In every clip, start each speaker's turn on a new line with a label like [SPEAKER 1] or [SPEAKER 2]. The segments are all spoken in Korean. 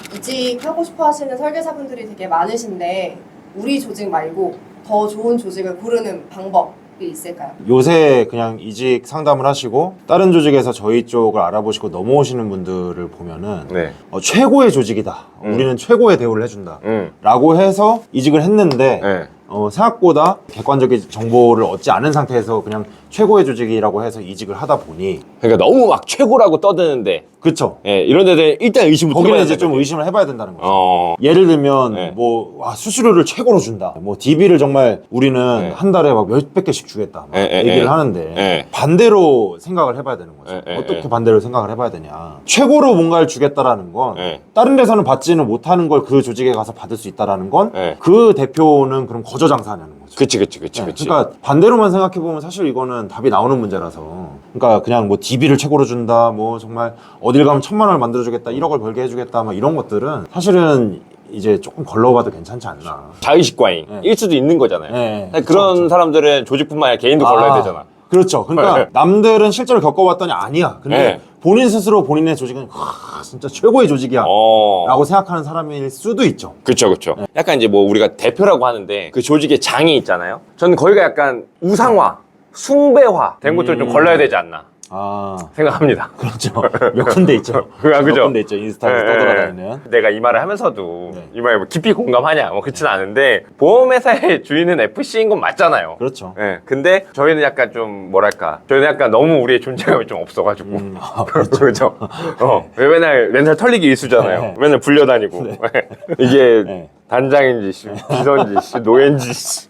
[SPEAKER 1] 이직하고 싶어 하시는 설계사분들이 되게 많으신데 우리 조직 말고 더 좋은 조직을 고르는 방법이 있을까요?
[SPEAKER 2] 요새 그냥 이직 상담을 하시고 다른 조직에서 저희 쪽을 알아보시고 넘어오시는 분들을 보면은
[SPEAKER 3] 네.
[SPEAKER 2] 최고의 조직이다. 우리는 최고의 대우를 해준다.
[SPEAKER 3] 음.
[SPEAKER 2] 라고 해서 이직을 했는데
[SPEAKER 3] 네.
[SPEAKER 2] 생각보다 객관적인 정보를 얻지 않은 상태에서 그냥 최고의 조직이라고 해서 이직을 하다 보니
[SPEAKER 3] 그러니까 너무 막 최고라고 떠드는데
[SPEAKER 2] 그쵸.
[SPEAKER 3] 예, 이런 데들 일단 의심부터
[SPEAKER 2] 거기는
[SPEAKER 3] 해봐야
[SPEAKER 2] 이제 좀
[SPEAKER 3] 되거든요.
[SPEAKER 2] 의심을 해봐야 된다는 거죠.
[SPEAKER 3] 어.
[SPEAKER 2] 예를 들면
[SPEAKER 3] 네.
[SPEAKER 2] 수수료를 최고로 준다. DB를 정말 우리는
[SPEAKER 3] 네.
[SPEAKER 2] 한 달에 막 몇백 개씩 주겠다. 막 얘기를 하는데
[SPEAKER 3] 네.
[SPEAKER 2] 반대로 생각을 해봐야 되는 거죠.
[SPEAKER 3] 네.
[SPEAKER 2] 어떻게 반대로 생각을 해봐야 되냐. 최고로 뭔가를 주겠다라는 건
[SPEAKER 3] 네.
[SPEAKER 2] 다른 데서는 받지는 못하는 걸 그 조직에 가서 받을 수 있다라는 건
[SPEAKER 3] 네.
[SPEAKER 2] 그 대표는 그럼 거저장사하는 거죠.
[SPEAKER 3] 그치.
[SPEAKER 2] 네, 그러니까 반대로만 생각해보면 사실 이거는 답이 나오는 문제라서 그러니까 그냥 DB를 최고로 준다 정말 어딜 가면 1,000만 원을 만들어주겠다 1억을 벌게 해주겠다 이런 것들은 사실은 이제 조금 걸러봐도 괜찮지 않나.
[SPEAKER 3] 자의식 과잉
[SPEAKER 2] 네.
[SPEAKER 3] 일 수도 있는 거잖아요.
[SPEAKER 2] 네,
[SPEAKER 3] 그런
[SPEAKER 2] 그쵸.
[SPEAKER 3] 사람들은 조직뿐만 아니라 개인도 걸러야 되잖아.
[SPEAKER 2] 그렇죠. 그러니까 남들은 실제로 겪어봤더니 아니야. 근데
[SPEAKER 3] 네.
[SPEAKER 2] 본인 스스로 본인의 조직은 진짜 최고의 조직이야 라고 생각하는 사람일 수도 있죠.
[SPEAKER 3] 그쵸. 약간 이제 우리가 대표라고 하는데 그 조직의 장이 있잖아요. 저는 거기가 약간 우상화, 숭배화 된 것들을 좀 걸러야 되지 않나 생각합니다.
[SPEAKER 2] 그렇죠. 몇 군데 있죠.
[SPEAKER 3] 그죠?
[SPEAKER 2] 몇 군데 있죠. 인스타에서 떠돌아다니는.
[SPEAKER 3] 내가 이 말을 하면서도
[SPEAKER 2] 네.
[SPEAKER 3] 이 말에 깊이 공감하냐 그렇진 않은데 보험회사의 주인은 FC인 건 맞잖아요.
[SPEAKER 2] 그렇죠.
[SPEAKER 3] 네, 근데 저희는 약간 좀 저희는 약간 너무 우리의 존재감이 좀 없어가지고 그렇죠. 왜 맨날 렌탈 털리기 일수잖아요.
[SPEAKER 2] 네.
[SPEAKER 3] 맨날 불려다니고 이게
[SPEAKER 2] 네.
[SPEAKER 3] 단장인지 비서인지 노예인지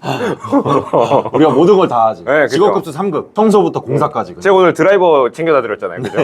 [SPEAKER 2] 우리가 모든 걸 다 하지.
[SPEAKER 3] 네, 그쵸.
[SPEAKER 2] 직업급수 3급. 청소부터 공사까지.
[SPEAKER 3] 제가 오늘 드라이버 챙겨다 드렸잖아요. 그죠?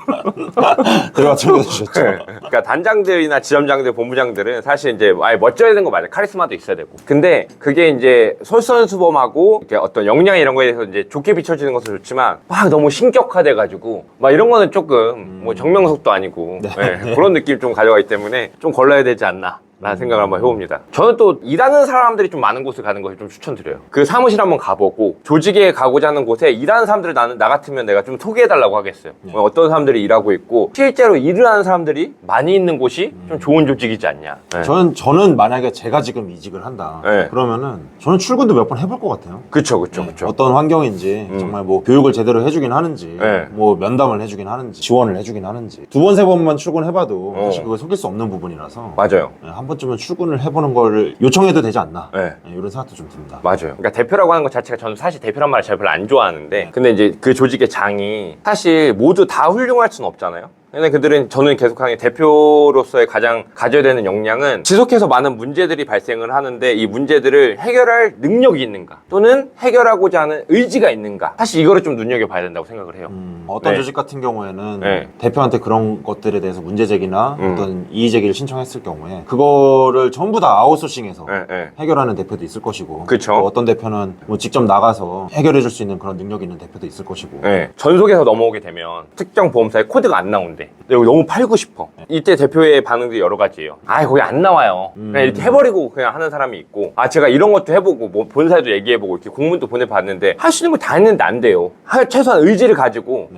[SPEAKER 2] 들어가 챙겨주셨죠.
[SPEAKER 3] 그러니까 단장들이나 지점장들, 본부장들은 사실 이제 아예 멋져야 되는 거 맞아요. 카리스마도 있어야 되고. 근데 그게 이제 솔선수범하고 이렇게 어떤 역량 이런 거에 대해서 이제 좋게 비춰지는 것은 좋지만 막 너무 신격화돼가지고 막 이런 거는 조금 정명석도 아니고 그런 느낌 좀 가져가기 때문에 좀 걸러야 되지 않나. 라는 생각을 한번 해봅니다. 저는 또 일하는 사람들이 좀 많은 곳을 가는 것을 좀 추천드려요. 그 사무실 한번 가보고 조직에 가고자 하는 곳에 일하는 사람들을 나 같으면 내가 좀 소개해달라고 하겠어요. 어떤 사람들이 일하고 있고 실제로 일을 하는 사람들이 많이 있는 곳이 좀 좋은 조직이지 않냐. 네.
[SPEAKER 2] 저는 만약에 제가 지금 이직을 한다.
[SPEAKER 3] 네.
[SPEAKER 2] 그러면은 저는 출근도 몇 번 해볼 것 같아요.
[SPEAKER 3] 그쵸.
[SPEAKER 2] 어떤 환경인지 정말 교육을 제대로 해주긴 하는지
[SPEAKER 3] 네.
[SPEAKER 2] 면담을 해주긴 하는지 지원을 해주긴 하는지 2번, 3번만 출근해봐도 사실 그걸 속일 수 없는 부분이라서
[SPEAKER 3] 맞아요.
[SPEAKER 2] 한 번쯤은 출근을 해보는 걸 요청해도 되지 않나
[SPEAKER 3] 네.
[SPEAKER 2] 이런 생각도 좀 듭니다.
[SPEAKER 3] 맞아요. 그러니까 대표라고 하는 것 자체가 저는 사실 대표란 말을 잘 별로 안 좋아하는데 근데 이제 그 조직의 장이 사실 모두 다 훌륭할 수는 없잖아요. 근데 그들은 저는 계속하는 대표로서의 가장 가져야 되는 역량은 지속해서 많은 문제들이 발생을 하는데 이 문제들을 해결할 능력이 있는가 또는 해결하고자 하는 의지가 있는가 사실 이거를 좀 눈여겨봐야 된다고 생각을 해요.
[SPEAKER 2] 어떤
[SPEAKER 3] 네.
[SPEAKER 2] 조직 같은 경우에는
[SPEAKER 3] 네.
[SPEAKER 2] 대표한테 그런 것들에 대해서 문제 제기나 어떤 이의 제기를 신청했을 경우에 그거를 전부 다 아웃소싱해서
[SPEAKER 3] 네.
[SPEAKER 2] 해결하는 대표도 있을 것이고
[SPEAKER 3] 그쵸.
[SPEAKER 2] 또 어떤 대표는 직접 나가서 해결해 줄 수 있는 그런 능력이 있는 대표도 있을 것이고
[SPEAKER 3] 네. 전속에서 넘어오게 되면 특정 보험사에 코드가 안 나온대. 근데 너무 팔고 싶어. 이때 대표의 반응들이 여러 가지예요. 거기 안 나와요. 그냥 이렇게 해버리고 그냥 하는 사람이 있고 제가 이런 것도 해보고 본사에도 얘기해보고 이렇게 공문도 보내봤는데 할 수 있는 거 다 했는데 안 돼요. 최소한 의지를 가지고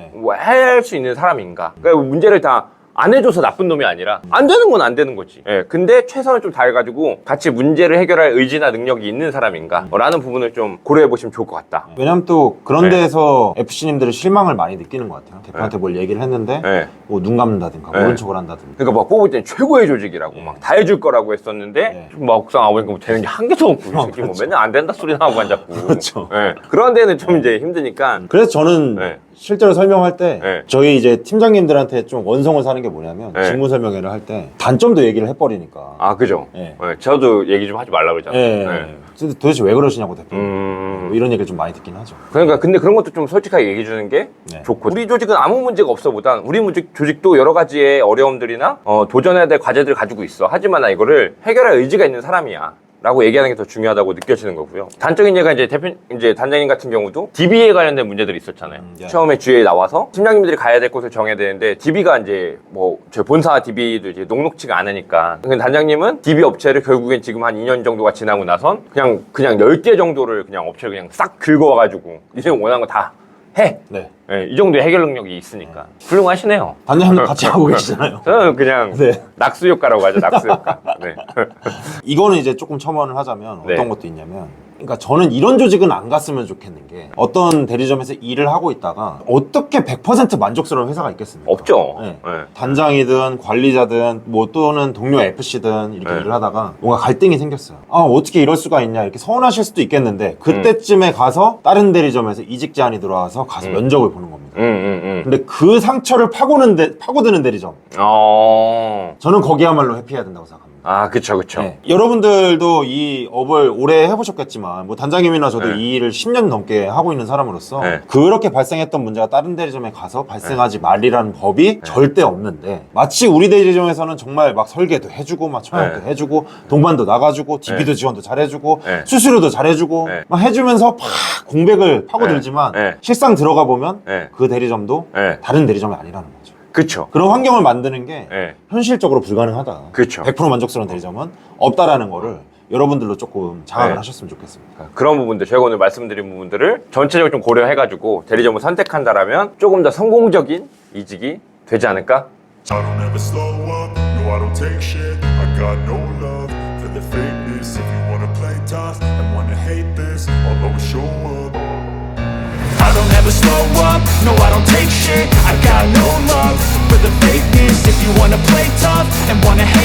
[SPEAKER 3] 할 수 있는 사람인가. 그러니까 문제를 다 안 해줘서 나쁜 놈이 아니라 안 되는 건 안 되는 거지. 근데 최선을 좀 다해가지고 같이 문제를 해결할 의지나 능력이 있는 사람인가 라는 부분을 좀 고려해보시면 좋을 것 같다.
[SPEAKER 2] 왜냐면 또 그런 데에서 FC님들은 실망을 많이 느끼는 것 같아요. 대표한테 뭘 얘기를 했는데 눈 감는다든가 모른 척을 한다든가.
[SPEAKER 3] 그러니까 막 뽑을 때는 최고의 조직이라고 막 다 해줄 거라고 했었는데 막상 와보니까 되는 게 한 개도 없고 이 새끼 뭐 맨날 안 된다 소리나 하고 앉았고.
[SPEAKER 2] 그렇죠.
[SPEAKER 3] 그런 데는 좀 이제 힘드니까.
[SPEAKER 2] 그래서 저는 실제로 설명할 때 저희 이제 팀장님들한테 좀 원성을 사는 게 뭐냐면 직무 설명회를 할 때 단점도 얘기를 해버리니까.
[SPEAKER 3] 그죠. 저도 얘기 좀 하지 말라고 그러잖아요.
[SPEAKER 2] 도대체 왜 그러시냐고 대표. 뭐 이런 얘기를 좀 많이 듣긴 하죠.
[SPEAKER 3] 그러니까 근데 그런 것도 좀 솔직하게 얘기해 주는 게 좋고 우리 조직은 아무 문제가 없어보단 우리 조직도 여러 가지의 어려움들이나 도전해야 될 과제들을 가지고 있어. 하지만 나 이거를 해결할 의지가 있는 사람이야. 라고 얘기하는 게 더 중요하다고 느껴지는 거고요. 단적인 예가 이제 단장님 같은 경우도 DB에 관련된 문제들이 있었잖아요. 처음에 주에 나와서 팀장님들이 가야 될 곳을 정해야 되는데 DB가 이제 저희 본사 DB도 이제 녹록치가 않으니까. 근데 단장님은 DB 업체를 결국엔 지금 한 2년 정도가 지나고 나선 그냥 10개 정도를 그냥 업체를 그냥 싹 긁어와가지고 이제 원하는 거 다 해.
[SPEAKER 2] 네.
[SPEAKER 3] 네, 이 정도의 해결 능력이 있으니까 훌륭하시네요.
[SPEAKER 2] 단장님 같이 하고 계시잖아요.
[SPEAKER 3] 저는 그냥
[SPEAKER 2] 네.
[SPEAKER 3] 낙수 효과라고 하죠. 낙수 효과. 네.
[SPEAKER 2] 이거는 이제 조금 첨언을 하자면
[SPEAKER 3] 네.
[SPEAKER 2] 어떤 것도 있냐면, 그러니까 저는 이런 조직은 안 갔으면 좋겠는 게, 어떤 대리점에서 일을 하고 있다가 어떻게 100% 만족스러운 회사가 있겠습니까?
[SPEAKER 3] 없죠.
[SPEAKER 2] 네.
[SPEAKER 3] 네.
[SPEAKER 2] 단장이든 관리자든 뭐 또는 동료 FC든 이렇게
[SPEAKER 3] 네.
[SPEAKER 2] 일을 하다가 뭔가 갈등이 생겼어요. 아, 어떻게 이럴 수가 있냐, 이렇게 서운하실 수도 있겠는데, 그때쯤에 가서 다른 대리점에서 이직 제안이 들어와서 가서 면접을 보는 겁니다. 근데 그 상처를 파고드는 대리점, 저는 거기야말로 회피해야 된다고 생각합니다.
[SPEAKER 3] 아, 그쵸, 그쵸.
[SPEAKER 2] 네. 여러분들도 이 업을 오래 해보셨겠지만, 뭐 단장님이나 저도
[SPEAKER 3] 네.
[SPEAKER 2] 이 일을 10년 넘게 하고 있는 사람으로서
[SPEAKER 3] 네.
[SPEAKER 2] 그렇게 발생했던 문제가 다른 대리점에 가서 발생하지 말이라는 법이 절대 없는데, 마치 우리 대리점에서는 정말 막 설계도 해주고 막 청약도
[SPEAKER 3] 네.
[SPEAKER 2] 해주고 동반도 나가주고 DB도
[SPEAKER 3] 네.
[SPEAKER 2] 지원도 잘해주고
[SPEAKER 3] 네.
[SPEAKER 2] 수수료도 잘해주고
[SPEAKER 3] 네.
[SPEAKER 2] 막 해주면서 팍 공백을 파고들지만
[SPEAKER 3] 네. 네.
[SPEAKER 2] 실상 들어가 보면
[SPEAKER 3] 네.
[SPEAKER 2] 그 대리점도
[SPEAKER 3] 네.
[SPEAKER 2] 다른 대리점이 아니라는 거죠.
[SPEAKER 3] 그쵸.
[SPEAKER 2] 그런 환경을 만드는 게
[SPEAKER 3] 네.
[SPEAKER 2] 현실적으로 불가능하다.
[SPEAKER 3] 그쵸.
[SPEAKER 2] 100% 만족스러운 대리점은 없다라는 거를 여러분들로 조금 장악을
[SPEAKER 3] 네.
[SPEAKER 2] 하셨으면 좋겠습니다.
[SPEAKER 3] 그런 부분들, 저희가 오늘 말씀드린 부분들을 전체적으로 좀 고려해가지고 대리점을 선택한다라면 조금 더 성공적인 이직이 되지 않을까?
[SPEAKER 4] I don't ever slow up, no I don't take shit. I got no love for the fakeness. If you wanna play tough and wanna hate this, I'll always show up. I don't ever slow up, no I don't take shit. I got no love for the fakeness. If you wanna play tough and wanna hate